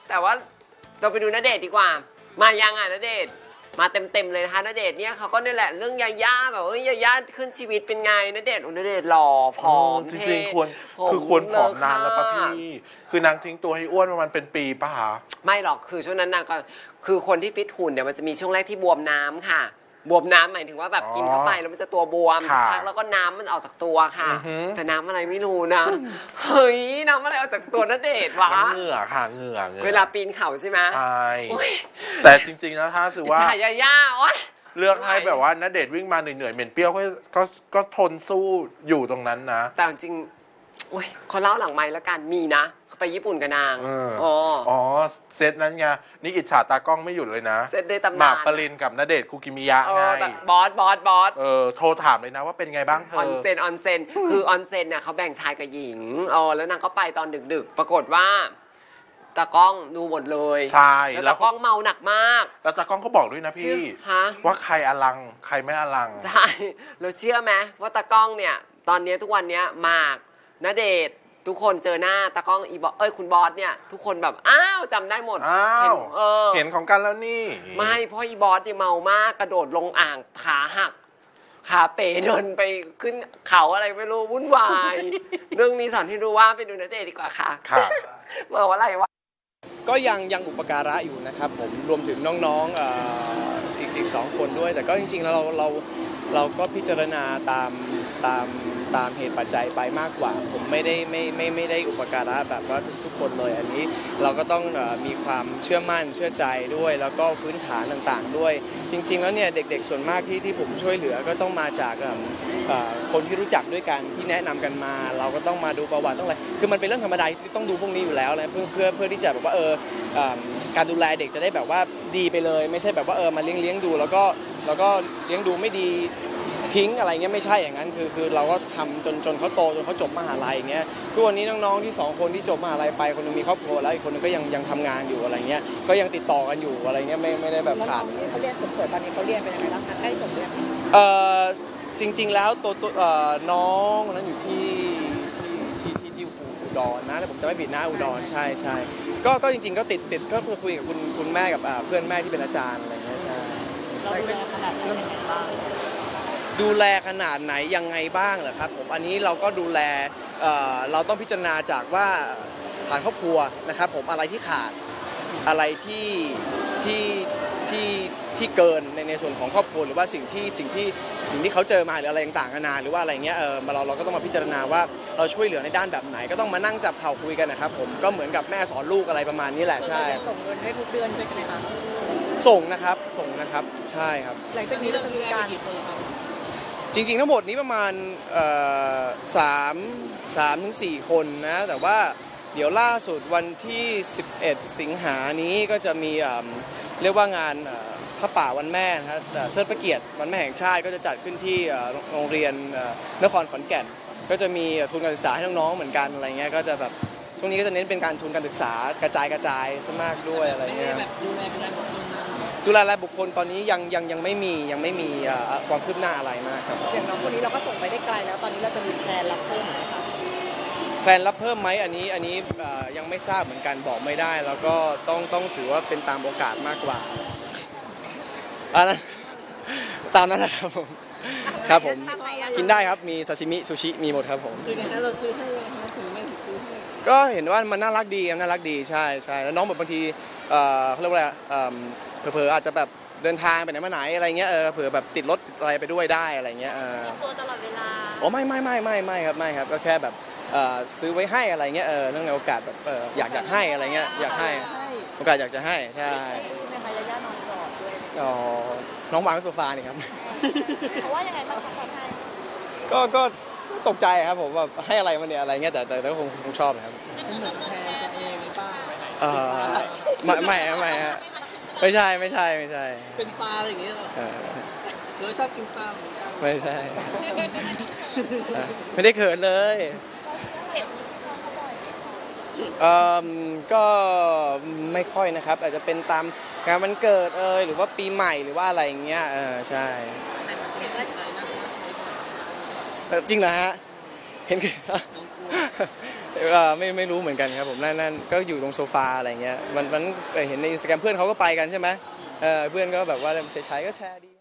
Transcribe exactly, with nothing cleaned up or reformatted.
แต่ว่าเราไปดูณเดชน์ดีกว่ามายังอ่ะณเดชน์มาเต็มๆเลยนะคะณเดชน์เนี่ยเขาก็นี่แหละเรื่องยาย่าแบบเอ้ยยาย่าขึ้นชีวิตเป็นไงณเดชน์ณเดชน์หล่อผอมจริงๆควรคือควรผอมนานแล้วป่ะพี่คือนางทิ้งตัวให้อ้วนประมาณเป็นปีป่ะคะไม่หรอกคือช่วงนั้นนางก็คือคนที่ฟิตหุ่นเนี่ยมันจะมีช่วงแรกที่บวมน้ำค่ะบวมน้ำหมายถึงว่าแบบกินเข้าไปแล้วมันจะตัวบวมพักแล้วก็น้ำมันออกจากตัวค่ะแต่น้ำอะไรไม่รู้นะเฮ้ยน้ำอะไรออกจากตัวณเดชน์วะเหงื่อค่ะเหงื่อเวลาปีนเขาใช่ไหมใช่แต่จริงๆนะถ้าคือว่าฉายาย่าโอ๊ยเลือกให้แบบว่าณเดชน์วิ่งมาเหนื่อยๆเหม็นเปรี้ยวก็ก็ก็ทนสู้อยู่ตรงนั้นนะแต่จริงโอ้ยเขาเล่าหลังไมค์แล้วกันมีนะเขาไปญี่ปุ่นกับนางอ๋ออ๋อเซตนั้นไงนี่อิจฉาตากล้องไม่หยุดเลยนะเซตได้ตำนานหมากปรินกับณเดชน์คุกิมิยะไงบอสบอสบอสเออโทรถามเลยนะว่าเป็นไงบ้างเธอออนเซนออนเซนคือออนเซนเนี่ยเขาแบ่งชายกับหญิงอ๋อแล้วนางก็ไปตอนดึกๆปรากฏว่าตากล้องดูหมดเลยใช่แล้วตากล้องเมาหนักมากแล้วตากล้องก็บอกด้วยนะพี่ว่าใครอลังใครไม่อลังใช่เราเชื่อไหมว่าตากล้องเนี่ยตอนนี้ทุกวันนี้หมากณเดชน์ทุกคนเจอหน้าตากล้องอีบอสเอ้ยคุณบอสเนี่ยทุกคนแบบอ้าวจำได้หมดอ้าวเออเห็นของกันแล้วนี่ไม่เพราะอีบอสเนี่ยเมามากกระโดดลงอ่างขาหักขาเป๋เดินไปขึ้นเขาอะไรไม่รู้วุ่นวายเรื่องนี้สอนให้รู้ว่าไปดูณเดชน์ดีกว่าค่ะเมื่อวันอะไรวะก็ยังยังอุปการะอยู่นะครับผมรวมถึงน้องๆอ่าอีกอีกสองคนด้วยแต่ก็จริงๆแล้วเราเราเราก็พิจารณาตามตามตามเหตุปัจจัยไปมากกว่าผมไม่ได้ไม่ไม่ไม่ได้อุปการะแบบว่าทุกๆคนเลยอันนี้เราก็ต้องมีความเชื่อมั่นเชื่อใจด้วยแล้วก็พื้นฐานต่างๆด้วยจริงๆแล้วเนี่ยเด็กๆส่วนมากที่ที่ผมช่วยเหลือก็ต้องมาจากคนที่รู้จักด้วยกันที่แนะนำกันมาเราก็ต้องมาดูประวัติต้องอะไรคือมันเป็นเรื่องธรรมดาที่ต้องดูพวกนี้อยู่แล้วนะเพื่อเพื่อเพื่อที่จะแบบว่าเออการดูแลเด็กจะได้แบบว่าดีไปเลยไม่ใช่แบบว่าเออมาเลี้ยงเลี้ยงดูแล้วก็แล้วก็เลี้ยงดูไม่ดีทิ้งอะไรเงี้ยไม่ใช่อย่างนั้นคือคือเราก็ทำจนจนเขาโตจนเขาจบมหาลัยอย่างเงี้ยทุกวันนี้น้องๆที่สองคนที่จบมหาลัยไปคนนึงมีครอบครัวแล้วอีกคนนึงก็ยังยังทำงานอยู่อะไรเงี้ยก็ยังติดต่อกันอยู่อะไรเงี้ยไม่ไม่ได้แบบขาดที่เขาเรียนสุดสวยตอนนี้เขาเรียนเป็นยังไงบ้างคะใกล้จบหรือยังเอ่อจริงๆแล้วตัวตัวน้องนั้นอยู่ที่ที่ที่ที่อุดรนะแต่ผมจะไม่ผิดนะอุดรใช่ใช่ก็ก็จริงๆก็ติดติดก็คุยกับคุณคุณแม่กับเพื่อนแม่ที่เป็นอาจารย์อะไรเงี้ยใช่เราดูแลขนาดไหนบ้างดูแลขนาดไหนยังไงบ้างเหรอครับผมอันนี้เราก็ดูแลเอ่อเราต้องพิจารณาจากว่าฐานครอบครัวนะครับผมอะไรที่ขาดอะไรที่ที่ที่ที่เกินในในส่วนของครอบครัวหรือว่าสิ่งที่สิ่งที่สิ่งที่เขาเจอมาหรืออะไรต่างๆนานาหรือว่าอะไรเงี้ยเออเราเราก็ต้องมาพิจารณาว่าเราช่วยเหลือในด้านแบบไหนก็ต้องมานั่งจับเข่าคุยกันนะครับผมก็เหมือนกับแม่สอนลูกอะไรประมาณนี้แหละใช่ส่งเงินให้ทุกเดือนด้วยใช่ไหมคะส่งนะครับส่งนะครับใช่ครับหลังจากนี้เราจะมีการจริงๆทั้งหมดนี้ประมาณสามสามถึงสี่คนนะแต่ว่าเดี๋ยวล่าสุดวันที่สิบเอ็ดสิงหานี้ก็จะมีเรียกว่างานพระป่าวันแม่นะครับเทิดพระเกียรติวันแม่แห่งชาติก็จะจัดขึ้นที่โรงเรียนนครขอนแก่นก็จะมีทุนการศึกษาให้น้องๆเหมือนกันอะไรเงี้ยก็จะแบบช่วงนี้ก็จะเน้นเป็นการทุนการศึกษากระจายกระจายซะมากด้วยอะไรเงี้ยดูแลเป็นรายบุคคลดูแลรายบุคคลตอนนี้ยังยังยังไม่มียังไม่มีความคืบหน้าอะไรมากครับอย่างน้องคนนี้เราก็ส่งไปได้ไกลแล้วตอนนี้เราจะมีแพลนรับเพิ่มไหมคะแพลนรับเพิ่มไหมอันนี้อันนี้ยังไม่ทราบเหมือนกันบอกไม่ได้แล้วก็ต้องต้องถือว่าเป็นตามโอกาสมากกว่าอันนั้นตามนั้นนะครับผมครับผมกินได้ครับมีซาซิมิซูชิมีหมดครับผมคือในนั้นเราซื้อให้นะคะถึงไม่ซื้อให้ก็เห็นว่ามันน่ารักดีน่ารักดีใช่ใช่แล้วน้องแบบบางทีเขาเรียกว่าอะไรเผลอๆอาจจะแบบเดินทางไปไหนมาไหนอะไรเงี้ยเออเผื่อแบบติดรถอะไรไปด้วยได้อะไรเงี้ยเออตัวตลอดเวลาโอ้ไม่ไม่ไม่ไม่ไม่ครับไม่ครับก็แค่แบบซื้อไว้ให้อะไรเงี้ยเออเนื่องในโอกาสแบบอยากอยากให้อะไรเงี้ยอยากให้โอกาสอยากจะให้ใช่ในมายาย่านอนกอดด้วยอ๋อน้องวางโซฟานี่ครับเพราะว่ายังไงบ้างคะตอนให้ก็ก็ตกใจครับผมว่าให้อะไรมาเนี่ยอะไรเงี้ยแต่แต่ก็คงคงชอบนะครับเหมือนแทนกันเองหรือเปล่าเออไม่ไม่ไม่ฮะไม่ใช่ไม่ใช่ไม่ใช่เป็นปลาอะไรอย่างเงี้ยหรอเราชอบกินปลาเหมือนกันไม่ใช่ไม่ได้เขินเลยเอ่อก็ไม่ค่อยนะครับอาจจะเป็นตามงานวันเกิดเอยหรือว่าปีใหม่หรือว่าอะไรอย่างเงี้ยเออใช่จริงเหรอฮะเห็นเอ่อไม่ไม่รู้เหมือนกันครับผมนั่นนั่นก็อยู่ตรงโซฟาอะไรเงี้ยมันมันเห็นในอินสตาแกรมเพื่อนเขาก็ไปกันใช่ไหมเออเพื่อนก็แบบว่าใช้ๆก็แชร์ดี